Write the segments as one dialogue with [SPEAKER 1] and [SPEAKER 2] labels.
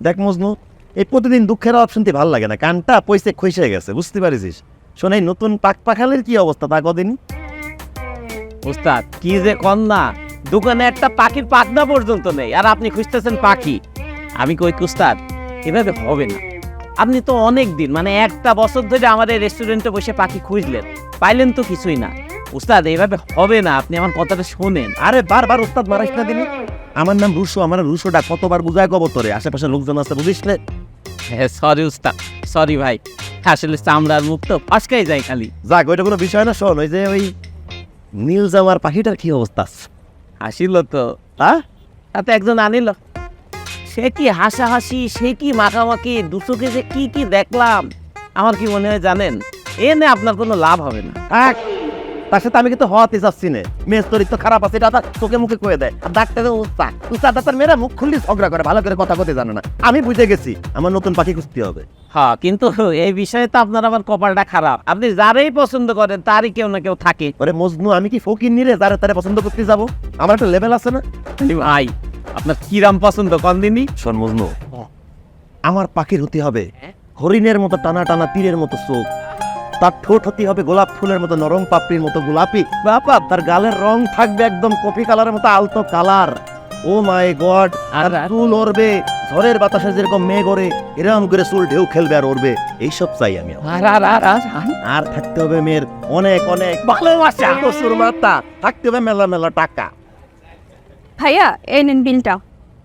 [SPEAKER 1] দেখ মজনু, এই প্রতিদিন দুঃখের অপশন শুনতে ভালো লাগে না, কানটা পয়সা খসে গেছে, বুঝতে পারিস? শোন, এই নতুন পাখালের কি অবস্থা তা কদিন?
[SPEAKER 2] উস্তাদ কি যে কন্যা, দোকানে একটা পাখির পাখনা পর্যন্ত নেই, আর আপনি খুঁজতেছেন পাখি। আমি কই উস্তাদ, এভাবে হবে না। আপনি তো অনেক দিন, মানে একটা বছর ধরে আমাদের রেস্টুরেন্টে বসে পাখি খুঁজলেন, পাইলেন তো কিছুই না। উস্তাদ এইভাবে হবে না, আপনি আমার কথাটা শোনেন।
[SPEAKER 1] আরে বারবার উস্তাদ মারাইস না দিনি। আমার নাম রুশো, আমার রুশোটা কতবার বুঝায় কব তোরে, আশেপাশে লোকজন আছে বুঝিস না?
[SPEAKER 2] হ্যাঁ সরি উস্তাদ, সরি ভাই, আসলে চামড়ার মুখ তো ফসকাই যায় খালি।
[SPEAKER 1] যাক, ওইটা কোনো বিষয় না। শোন, ওই যে ওই নীল জামার পাখিটার কি অবস্থা?
[SPEAKER 2] হাসিল তো,
[SPEAKER 1] হ্যাঁ,
[SPEAKER 2] তাতে একজন আনিল, সে কি হাসাহাসি, সে কি মাখামাখি, দুচোখে যে কি কি দেখলাম। আমার কি মনে হয় জানেন, এ নে আপনার কোনো লাভ হবে না।
[SPEAKER 1] থাক, তার সাথে আমি কিন্তু হওয়াতে চাচ্ছি না। মেয়ের চরিত্র খারাপ আছে, এটা তার চোখে মুখে কয়ে দেয়। আর ডাক্তারের উস্তাদ ডাক্তার মেয়েরা মুখ খুললি ঝগড়া করে, ভালো করে কথা বলতে জানে না। আমি বুঝে গেছি আমার নতুন পাখি খুঁজতে হবে।
[SPEAKER 2] হ্যাঁ, কিন্তু এই বিষয়ে তো আপনার আবার কপালটা খারাপ, আপনি যারাই পছন্দ করেন তারই কেউ না কেউ থাকে।
[SPEAKER 1] ওরে মজনু, আমি কি ফকির নিরে যারা তারা পছন্দ করতে যাবো? আমার একটা লেভেল আছে না?
[SPEAKER 2] ভাই আপনার কিরাম পছন্দ কোন দিনই?
[SPEAKER 1] শোন মজনু, আমার পাখির হতে হবে হরিণের মতো টানা টানা তীরের মতো চোখ, তার ঠোঁট হতে হবে গোলাপ ফুলের মতো নরম, পাপড়ির মতো গোলাপি, বাবা তার গালের রং থাকবে একদম কফি কালারের মতো আলতো কালার। ও মাই গড, আর চুল ওড়বে ঝড়ের বাতাসে যেরকম মেঘ ওড়ে, এরকম করে চুল ঢেউ খেলবে আর ওড়বে, এইসব চাই আমি। আর থাকতে হবে মেয়ের অনেক অনেক ভালোবাসা, প্রচুর মাত্রা, থাকতে হবে মেলা মেলা টাকা।
[SPEAKER 3] ভাইয়া এই নেন বিলটা।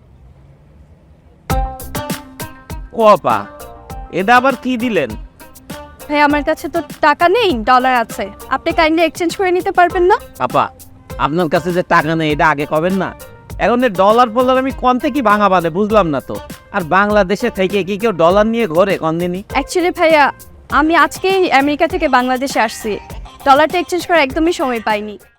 [SPEAKER 2] ও আপা, এটা আবার কি দিলেন?
[SPEAKER 3] ভাইয়া আমার কাছে তো টাকা নেই, ডলার আছে, আপনি কাইন্ডলি এক্সচেঞ্জ করে নিতে পারবেন না?
[SPEAKER 2] আপা, আপনার কাছে যে টাকা নেই এটা আগে কবেন না। এখন ডলার ফলার আমি কনতে কি ভাঙা বাঁধে বুঝলাম না তো। আর বাংলাদেশে থেকে কি কেউ ডলার নিয়ে ঘোরে কোন দিনই?
[SPEAKER 3] অ্যাকচুয়ালি ভাইয়া আমি আজকেই আমেরিকা থেকে বাংলাদেশে আসছি, ডলারটা এক্সচেঞ্জ করার একদমই সময় পাইনি।